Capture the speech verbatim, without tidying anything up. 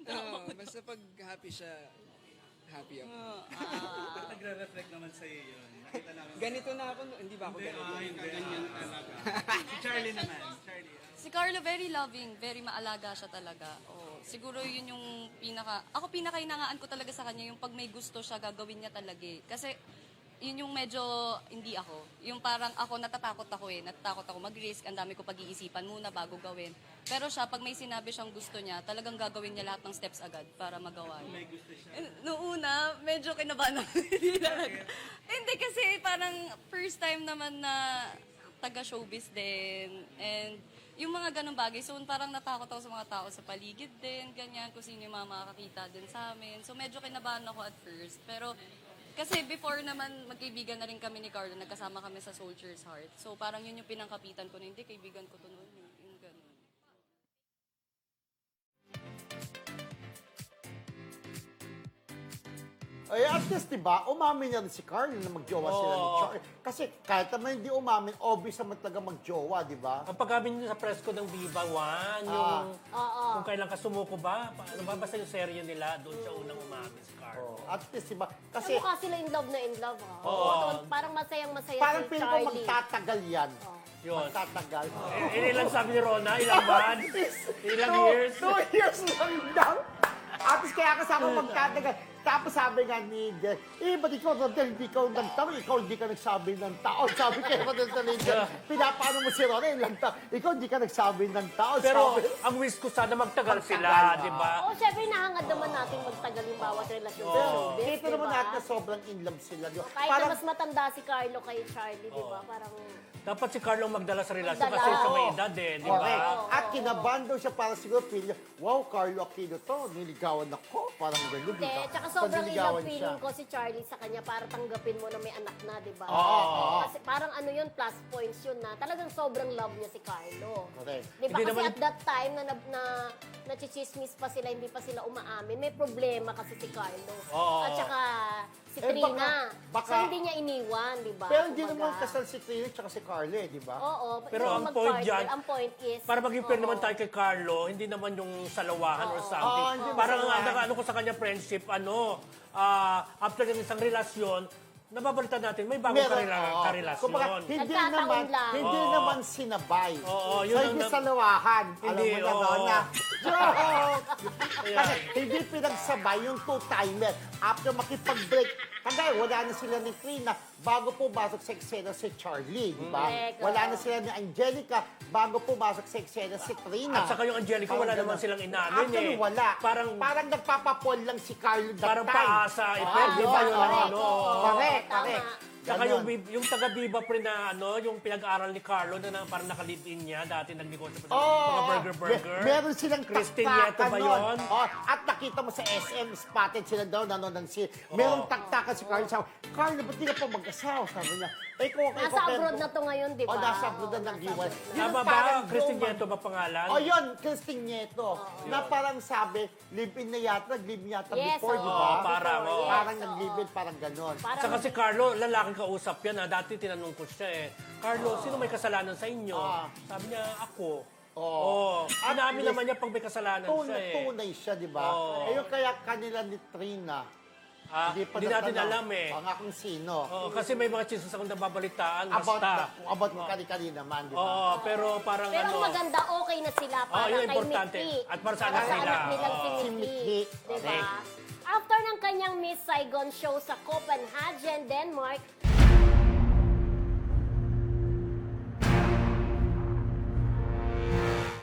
Oo, basta pag happy siya, happy ako. Ba't nagre-reflect naman sa'yo yun? Nakita namin. Ganito na ako, no- hindi ba ako Hindi, ganito? ah, hindi. Ganyan talaga. Si Charlie naman. Charlie. ah. Si Carlo, very loving, very maalaga siya talaga. Oh, siguro yun yung pinaka... Ako pinakainangaan ko talaga sa kanya, yung pag may gusto siya, gagawin niya talaga eh. Kasi yun yung medyo hindi ako. Yung parang ako, natatakot ako eh. Natatakot ako mag-risk, ang dami ko pag-iisipan muna bago gawin. Pero siya, pag may sinabi siyang gusto niya, talagang gagawin niya lahat ng steps agad para magawa niya. May gusto siya. Eh, Noong una, medyo kinabahan ako. Hindi talaga. Hindi kasi parang first time naman na taga-showbiz din. And yung mga ganong bagay, so parang natakot ako sa mga tao sa paligid din, ganyan, kung sino yung mga makakakita din sa amin. So medyo kinabahan ako at first. Pero kasi before naman, magkaibigan na rin kami ni Carlo, nagkasama kami sa Soldier's Heart. So parang yun yung pinangkapitan ko na, hindi, kaibigan ko to noon. Yung, yung ganun. Ay, at least, di ba, umamin na rin si Carl na magjowa sila ni Oo. Charlie. Kasi kahit naman hindi umamin, obvious naman talaga magjowa, di ba? Ang pagkamin niyo sa press ko ng Viva One, yung Oo. kung kailan ka sumuko ba, paano ba basta yung serye nila, doon siya unang umamin si Carl. Oh, at least, di ba? Kasi Kasi mukha sila in love na in love, ha? Oo. Totoo, parang masayang-masaya parang si feeling ko Charlie. magtatagal yan. Yun. Magtatagal. Eh, ilan sabi ni Rona? Ilang months? Ilang Two- years? Two years lang daw. At least kaya kasama magtatagal. Tapos sabi nga ni Jen, eh, ba't ikaw, Rodel, hindi ikaw nagtaon? Ikaw hindi ka nagsabi ng taon. Sabi kay Rodel sa Jen, pinapaano mo si Rodel, ilang taon? Ikaw hindi ka nagsabi ng taon. Pero Sabi, ang wish ko sana magtagal Magtagal, sila, ah. di ba? Oo, syempre nahangad naman natin magtagal yung bawat relasyon sa showbiz, Kita naman natin na sobrang in love sila. Di ba? Kahit Parang, na mas matanda si Carlo kay Charlie, di ba? Parang, Dapat si Carlo magdala sa relasyon Magdala, kasi siya may oo. edad eh, di correct. ba? At kinabahan daw siya para siguro feeling niya, wow, Carlo Aquino to, niligawan ako. Parang gano'n, di hindi. ba? Tsaka So, sobrang in love niligawan feeling siya. ko si Charlie sa kanya para tanggapin mo na may anak na, di ba? Oo. Kasi parang ano yun, plus points yun na talagang sobrang love niya si Carlo. Correct. Di ba? Hindi Kasi naman- at that time na, na, na nachichismis pa sila, hindi pa sila umaamin, may problema kasi si Carlo. Oo. At saka si Eh, Trina. baka- baka- so hindi niya iniwan, di ba? Pero hindi Kumbaga. naman kasal si Trina at si Carlo, eh, di ba? Oo. Pero so ang mag-partner, point dyan, ang point is, Para maging fair oo. naman tayo kay Carlo, hindi naman yung salawahan or something. Oo, hindi Parang ang masalawahan. ano ko sa kanya friendship, ano, ah, after ng isang relasyon, nababalita natin, may bagong karela, oo. karelasyon. Kumbaga, hindi Nagkataon naman, lang. hindi Oo. naman sinabay. Oo, so, yun ang hindi na- salawahan. Hindi, Alam mo na, oo. Rona. Joke! Ayan. Kasi hindi pinagsabay yung two-timer. After makipag-break, kagaya wala na sila ni Trina bago pumasok sa eksena si Charlie, di ba? Correct, Wala oo. na sila ni Angelica bago pumasok sa eksena si Trina. At saka yung Angelica, wala Parang naman ganun. silang inamin Actually, eh. wala. Parang, Parang nagpapapol lang si Carlo that parang time. paasa, effect, Ah, di ba? yun, Yung correct. ano, Correct, Tama. correct. Saka Ganon. yung, bib- yung taga-Viva pre na ano, yung pinag-aral ni Carlo na, na parang nakalipin niya, dati nagnegosyo pa sa Oo. mga burger-burger. Me- meron silang Christine taktakan Nieto ba nun. yun? Oh, at nakita mo sa S M, spotted sila daw, nanonood ng si Merong taktakan si Carl. Sabi, Carl, ba't di ka pa mag-asawa? Sabi niya, eh kung ako Nasa abroad na to ngayon, di ba? Oh, nasa abroad na Oo, nag-iwan. nasa abroad na. Yun Tama ang ba? parang Christine Roman- Nieto ba pangalan? Oh, yun, Christine Nieto. Na parang sabi, live-in na yata, nag-live yata Yes, before, di oo. ba? Oo, parang, Before, oo. yes, Parang oo. nag-live-in, parang ganon. Parang- Saka si Carlo, lalaking kausap yan. Ha? Dati tinanong ko siya eh, Carlo, sino may kasalanan sa inyo? Ah. Sabi niya, ako. Oo. Oh. At Inamin least, naman niya pag may kasalanan siya Tunay, eh. tunay siya, di ba? Oo. Ayun, kaya kanila ni Trina, Ah, hindi pa hindi natin natanong alam eh. ang akong sino. Oo, kasi may mga chismis akong nababalitaan, About, basta. the, about ng kani-kani naman, di ba? Oo, pero parang Pero ang ano, maganda, okay na sila para Oh, yun kay importante. Mickey. At para sa Para anak nila. nilang Oo. si Si Mickey. Mickey. Diba? Correct. After ng kanyang Miss Saigon show sa Copenhagen, Denmark,